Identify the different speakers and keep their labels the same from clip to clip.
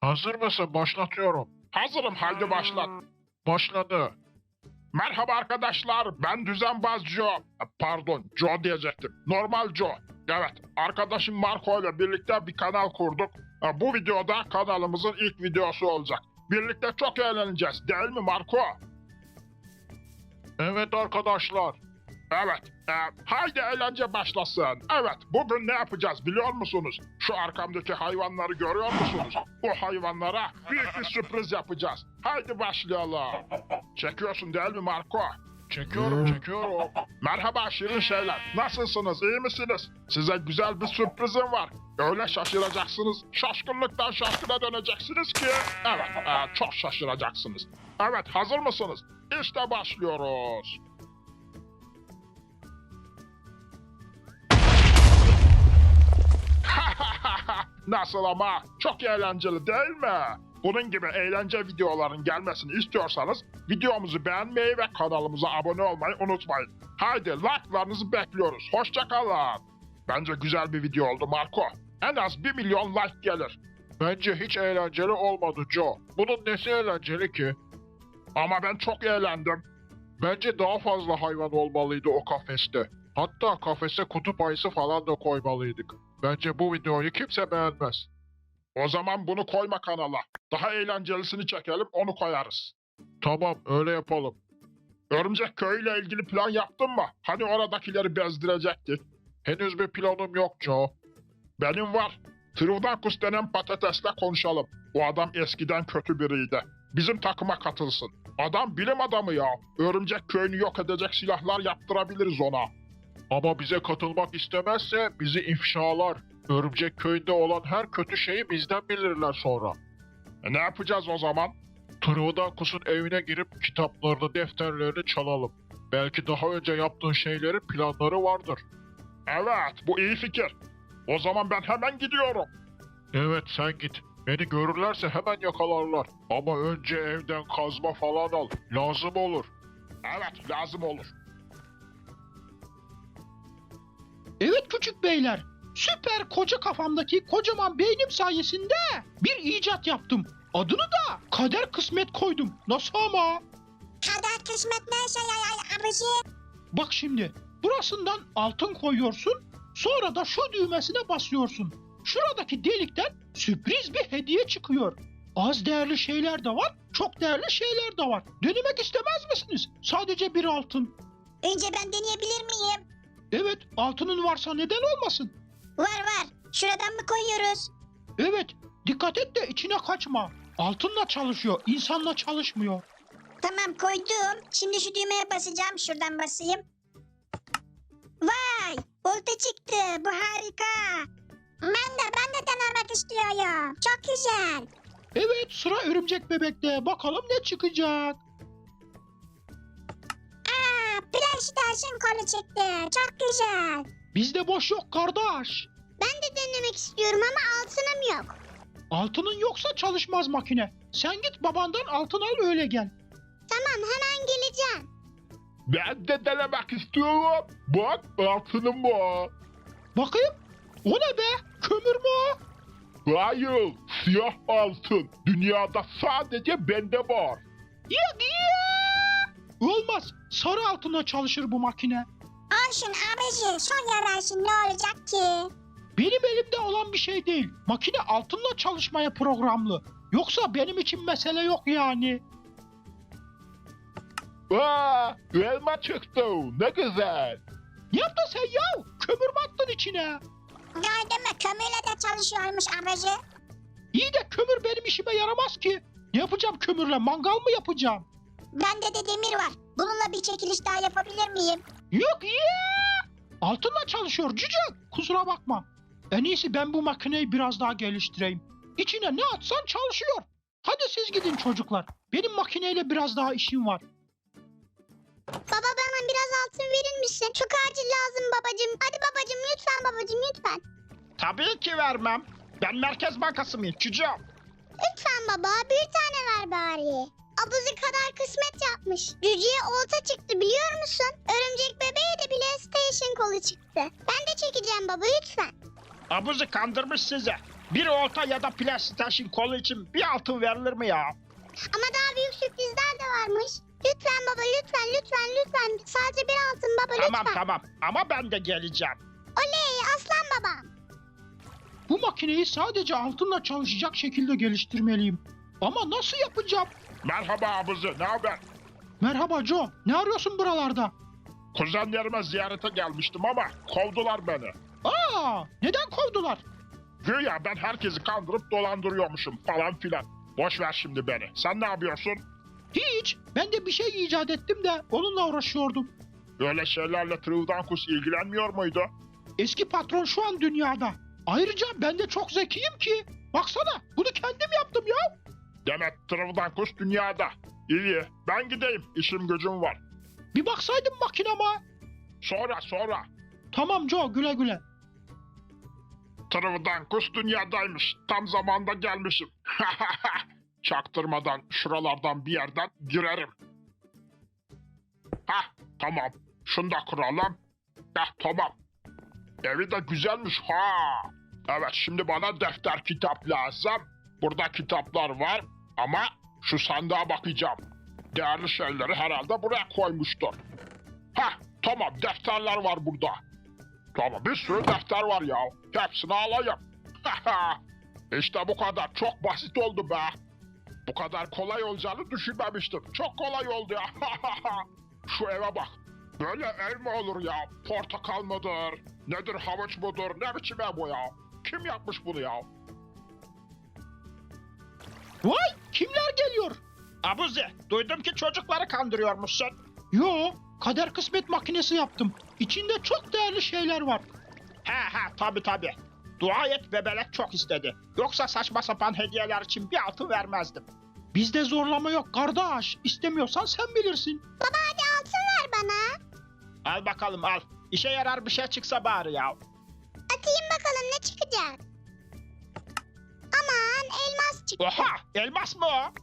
Speaker 1: Hazır mısın? Başlatıyorum.
Speaker 2: Hazırım, haydi başlat.
Speaker 1: Başladı.
Speaker 2: Merhaba arkadaşlar, ben Düzenbaz Joe. Pardon, Joe diyecektim. Normal Joe. Evet, arkadaşım Marco ile birlikte bir kanal kurduk. Bu videoda kanalımızın ilk videosu olacak. Birlikte çok eğleneceğiz, değil mi Marco?
Speaker 1: Evet arkadaşlar.
Speaker 2: Evet, haydi eğlence başlasın. Evet, bugün ne yapacağız biliyor musunuz? Şu arkamdaki hayvanları görüyor musunuz? Bu hayvanlara büyük bir sürpriz yapacağız. Haydi başlayalım. Çekiyorsun değil mi Marco?
Speaker 1: Çekiyorum.
Speaker 2: Merhaba şirin şeyler. Nasılsınız, iyi misiniz? Size güzel bir sürprizim var. Öyle şaşıracaksınız, şaşkınlıktan şaşkına döneceksiniz ki... Evet, çok şaşıracaksınız. Evet, hazır mısınız? İşte başlıyoruz. Nasıl ama? Çok eğlenceli değil mi? Bunun gibi eğlence videoların gelmesini istiyorsanız videomuzu beğenmeyi ve kanalımıza abone olmayı unutmayın. Haydi like'larınızı bekliyoruz. Hoşça kalın. Bence güzel bir video oldu Marco. En az 1 milyon like gelir.
Speaker 1: Bence hiç eğlenceli olmadı Joe. Bunun nesi eğlenceli ki?
Speaker 2: Ama ben çok eğlendim.
Speaker 1: Bence daha fazla hayvan olmalıydı o kafeste. Hatta kafese kutup ayısı falan da koymalıydık. Bence bu videoyu kimse beğenmez.
Speaker 2: O zaman bunu koyma kanala. Daha eğlencelisini çekelim, onu koyarız.
Speaker 1: Tamam, öyle yapalım.
Speaker 2: Örümcek köyüyle ilgili plan yaptın mı? Hani oradakileri bezdirecektik.
Speaker 1: Henüz bir planım yok Joe.
Speaker 2: Benim var. Trivdankus denen patatesle konuşalım. O adam eskiden kötü biriydi. Bizim takıma katılsın. Adam bilim adamı ya. Örümcek köyünü yok edecek silahlar yaptırabiliriz ona.
Speaker 1: Ama bize katılmak istemezse bizi ifşalar. Örümcek köyünde olan her kötü şeyi bizden bilirler sonra.
Speaker 2: Ne yapacağız o zaman?
Speaker 1: Trivdankus'un evine girip kitaplarını, defterlerini çalalım. Belki daha önce yaptığın şeylerin planları vardır.
Speaker 2: Evet, bu iyi fikir. O zaman ben hemen gidiyorum.
Speaker 1: Evet, sen git. Beni görürlerse hemen yakalarlar. Ama önce evden kazma falan al. Lazım olur.
Speaker 2: Evet, lazım olur.
Speaker 3: Evet küçük beyler, süper koca kafamdaki kocaman beynim sayesinde bir icat yaptım. Adını da kader kısmet koydum. Nasıl ama?
Speaker 4: Kader kısmet neyse ya abici.
Speaker 3: Bak şimdi, burasından altın koyuyorsun, sonra da şu düğmesine basıyorsun. Şuradaki delikten sürpriz bir hediye çıkıyor. Az değerli şeyler de var, çok değerli şeyler de var. Denemek istemez misiniz? Sadece bir altın.
Speaker 4: Önce ben deneyebilir miyim?
Speaker 3: Evet, altının varsa neden olmasın?
Speaker 4: Var. Şuradan mı koyuyoruz?
Speaker 3: Evet, dikkat et de içine kaçma. Altınla çalışıyor, insanla çalışmıyor.
Speaker 4: Tamam koydum. Şimdi şu düğmeye basacağım. Şuradan basayım. Vay! Olta çıktı. Bu harika. Ben de denemek istiyorum. Çok güzel.
Speaker 3: Evet, sıra örümcek bebekte. Bakalım ne çıkacak.
Speaker 4: PlayStation kolu çıktı. Çok güzel.
Speaker 3: Bizde boş yok kardeş.
Speaker 4: Ben de denemek istiyorum ama altınım yok.
Speaker 3: Altının yoksa çalışmaz makine. Sen git babandan altın al öyle gel.
Speaker 4: Tamam hemen geleceğim.
Speaker 2: Ben de denemek istiyorum. Bak, altınım var.
Speaker 3: Bakayım. O ne be? Kömür mü o?
Speaker 2: Hayır, siyah altın. Dünyada sadece bende var.
Speaker 3: Yok ya. Olmaz. Sarı altına çalışır bu makine.
Speaker 4: Olsun abici. Son yararsın ne olacak ki?
Speaker 3: Benim elimde olan bir şey değil. Makine altınla çalışmaya programlı. Yoksa benim için mesele yok yani.
Speaker 2: Aa, elma çıktı. Ne güzel.
Speaker 3: Ne yaptın sen ya? Kömür mü attın içine?
Speaker 4: Gördün mü kömürle de çalışıyormuş abici.
Speaker 3: İyi de kömür benim işime yaramaz ki. Ne yapacağım kömürle? Mangal mı yapacağım?
Speaker 4: Bende de demir var. Bununla bir çekiliş daha yapabilir miyim?
Speaker 3: Yok ya! Altınla çalışıyor cücük. Kusura bakma. En iyisi ben bu makineyi biraz daha geliştireyim. İçine ne atsan çalışıyor. Hadi siz gidin çocuklar. Benim makineyle biraz daha işim var.
Speaker 4: Baba bana biraz altın verir misin? Çok acil lazım babacığım. Hadi babacığım lütfen babacığım lütfen.
Speaker 3: Tabii ki vermem. Ben Merkez Bankası mıyım çocuğum?
Speaker 4: Lütfen baba bir tane ver bari. Abuzi kadar kısmet yapmış. Cücüye olta çıktı biliyor musun? Örümcek bebeğe de PlayStation kolu çıktı. Ben de çekeceğim baba lütfen.
Speaker 3: Abuzi kandırmış sizi. Bir olta ya da PlayStation kolu için bir altın verilir mi ya?
Speaker 4: Ama daha büyük sürprizler de varmış. Lütfen baba lütfen lütfen lütfen. Sadece bir altın baba lütfen.
Speaker 3: Tamam ama ben de geleceğim.
Speaker 4: Oley aslan babam.
Speaker 3: Bu makineyi sadece altınla çalışacak şekilde geliştirmeliyim. Ama nasıl yapacağım?
Speaker 2: Merhaba abuzi, ne haber?
Speaker 3: Merhaba Joe, ne arıyorsun buralarda?
Speaker 2: Kuzenlerime ziyarete gelmiştim ama kovdular beni.
Speaker 3: Aa, neden kovdular?
Speaker 2: Güya ben herkesi kandırıp dolandırıyormuşum falan filan. Boş ver şimdi beni. Sen ne yapıyorsun?
Speaker 3: Hiç, ben de bir şey icat ettim de onunla uğraşıyordum.
Speaker 2: Öyle şeylerle Trivdankus ilgilenmiyor muydu?
Speaker 3: Eski patron şu an dünyada. Ayrıca ben de çok zekiyim ki. Baksana, bunu kendim yaptım ya.
Speaker 2: Demek Trivdankus dünyada. İyi, ben gideyim. İşim gücüm var.
Speaker 3: Bir baksaydın makinama.
Speaker 2: Sonra.
Speaker 3: Tamam Joe, güle güle.
Speaker 2: Trivdankus dünyadaymış. Tam zamanda gelmişim. Çaktırmadan şuralardan bir yerden girerim. Hah, tamam. Şunu da kuralım. Tamam. Evi de güzelmiş ha. Evet, şimdi bana defter kitap lazım. Burada kitaplar var ama şu sandığa bakacağım. Değerli şeyleri herhalde buraya koymuştur. Hah, tamam, defterler var burada. Tamam, bir sürü defter var ya. Hepsini alayım. İşte bu kadar. Çok basit oldu be. Bu kadar kolay olacağını düşünmemiştim. Çok kolay oldu ya. Şu eve bak. Böyle ev mi olur ya? Portakal mıdır? Nedir, havuç mudur? Ne biçim ev bu ya? Kim yapmış bunu ya?
Speaker 3: Vay, kimler geliyor?
Speaker 5: Abuzi, duydum ki çocukları kandırıyormuşsun.
Speaker 3: Yo, kader kısmet makinesi yaptım. İçinde çok değerli şeyler var.
Speaker 5: He, tabii. Dua et, bebelek çok istedi. Yoksa saçma sapan hediyeler için bir altın vermezdim.
Speaker 3: Bizde zorlama yok kardeş. İstemiyorsan sen bilirsin.
Speaker 4: Baba hadi altın ver bana.
Speaker 5: Al bakalım al. İşe yarar bir şey çıksa bari ya.
Speaker 4: Atayım bakalım ne çıkacak. Aman elmas çıktı.
Speaker 5: Oha, elmas mı o?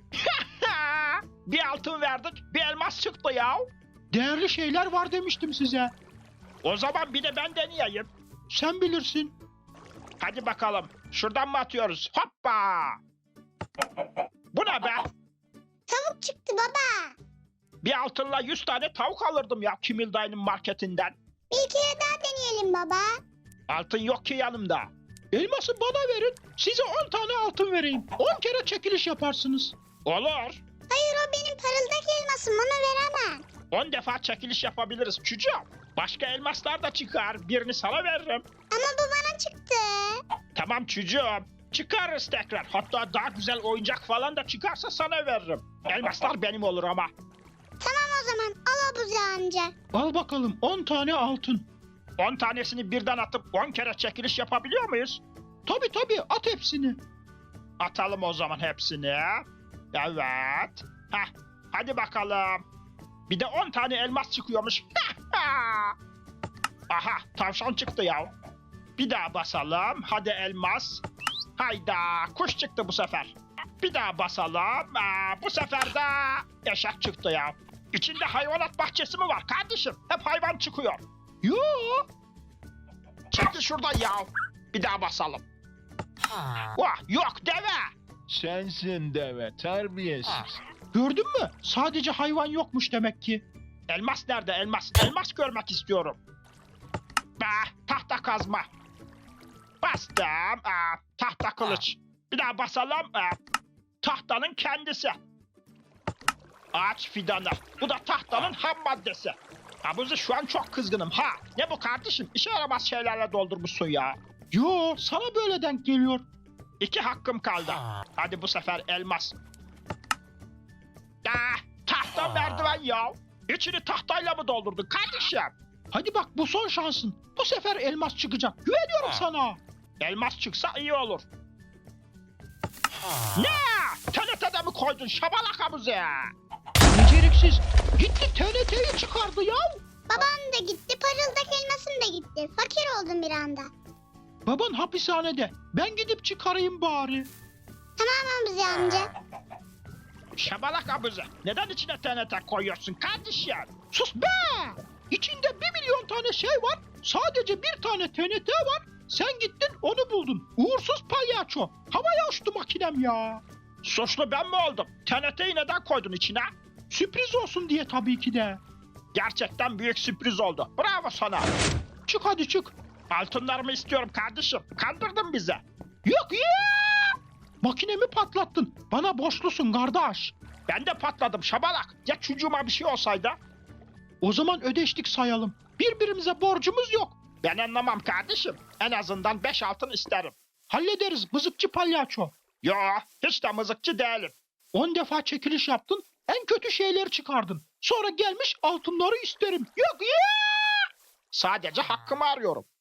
Speaker 5: Bir altın verdik, bir elmas çıktı ya.
Speaker 3: Değerli şeyler var demiştim size.
Speaker 5: O zaman bir de ben deneyeyim.
Speaker 3: Sen bilirsin.
Speaker 5: Hadi bakalım, şuradan mı atıyoruz? Hoppa! Bu ne be?
Speaker 4: Tavuk çıktı baba.
Speaker 5: Bir altınla 100 tane tavuk alırdım ya Kimil dayının marketinden.
Speaker 4: Bir kere daha deneyelim baba.
Speaker 5: Altın yok ki yanımda.
Speaker 3: Elması bana verin. Size 10 tane altın vereyim. 10 kere çekiliş yaparsınız.
Speaker 5: Olur.
Speaker 4: Hayır o benim parıldak elmasım onu veremem.
Speaker 5: 10 defa çekiliş yapabiliriz çocuğum. Başka elmaslar da çıkar. Birini sana veririm.
Speaker 4: Ama bu bana çıktı.
Speaker 5: Tamam çocuğum. Çıkarırız tekrar. Hatta daha güzel oyuncak falan da çıkarsa sana veririm. Elmaslar benim olur ama.
Speaker 4: Tamam o zaman al Abuzi amca.
Speaker 3: Al bakalım 10 tane altın.
Speaker 5: 10 tanesini birden atıp 10 kere çekiliş yapabiliyor muyuz?
Speaker 3: Tabii at hepsini.
Speaker 5: Atalım o zaman hepsini. Evet. Heh, hadi bakalım. Bir de 10 tane elmas çıkıyormuş. Aha, tavşan çıktı ya. Bir daha basalım. Hadi elmas. Hayda, kuş çıktı bu sefer. Bir daha basalım. Bu sefer de eşek çıktı ya. İçinde hayvanat bahçesi mi var kardeşim? Hep hayvan çıkıyor.
Speaker 3: Yo.
Speaker 5: Çekil şuradan ya. Bir daha basalım. Vah, yok deve.
Speaker 1: Sensin deve, terbiyesiz.
Speaker 3: Gördün mü? Sadece hayvan yokmuş demek ki.
Speaker 5: Elmas nerede elmas? Elmas görmek istiyorum. Tahta kazma. Bastım. Tahta kılıç. Bir daha basalım. Tahtanın kendisi. Ağaç fidanı. Bu da tahtanın ham maddesi. Abuzi şu an çok kızgınım ha. Ne bu kardeşim? İşe yaramaz şeylerle doldurmuşsun ya.
Speaker 3: Yo, sana böyle denk geliyor.
Speaker 5: 2 hakkım kaldı. Hadi bu sefer elmas. Tahta merdiven ya. İçini tahtayla mı doldurdun kardeşim?
Speaker 3: Hadi bak bu son şansın. Bu sefer elmas çıkacak. Güveniyorum sana.
Speaker 5: Elmas çıksa iyi olur. Ne? TNT'de mi koydun şabalak Abuzi?
Speaker 3: Beceriksiz. Gitti TNT'yi çıkardı ya.
Speaker 4: Babam da gitti parıldak elmasım da gitti. Fakir oldum bir anda.
Speaker 3: Baban hapishanede. Ben gidip çıkarayım bari.
Speaker 4: Tamam Abuzi amca.
Speaker 5: Şabalak Abuzi. Neden içine TNT koyuyorsun kardeşim?
Speaker 3: Sus be! İçinde 1 milyon tane şey var. Sadece bir tane TNT var. Sen gittin onu buldun. Uğursuz palyaço. Havaya uçtu makinem ya.
Speaker 5: Suçlu ben mi oldum? TNT'yi neden koydun içine?
Speaker 3: Sürpriz olsun diye tabii ki de.
Speaker 5: Gerçekten büyük sürpriz oldu. Bravo sana.
Speaker 3: Çık hadi çık.
Speaker 5: Altınlarımı istiyorum kardeşim. Kandırdın bizi.
Speaker 3: Yok ya! Makinemi patlattın. Bana borçlusun kardeş.
Speaker 5: Ben de patladım şabalak. Ya çocuğuma bir şey olsaydı?
Speaker 3: O zaman ödeştik sayalım. Birbirimize borcumuz yok.
Speaker 5: Ben anlamam kardeşim. En azından 5 altın isterim.
Speaker 3: Hallederiz mızıkçı palyaço.
Speaker 5: Yo, hiç de mızıkçı değilim.
Speaker 3: 10 defa çekiliş yaptın. En kötü şeyleri çıkardın. Sonra gelmiş altınları isterim. Yok ya!
Speaker 5: Sadece hakkımı arıyorum.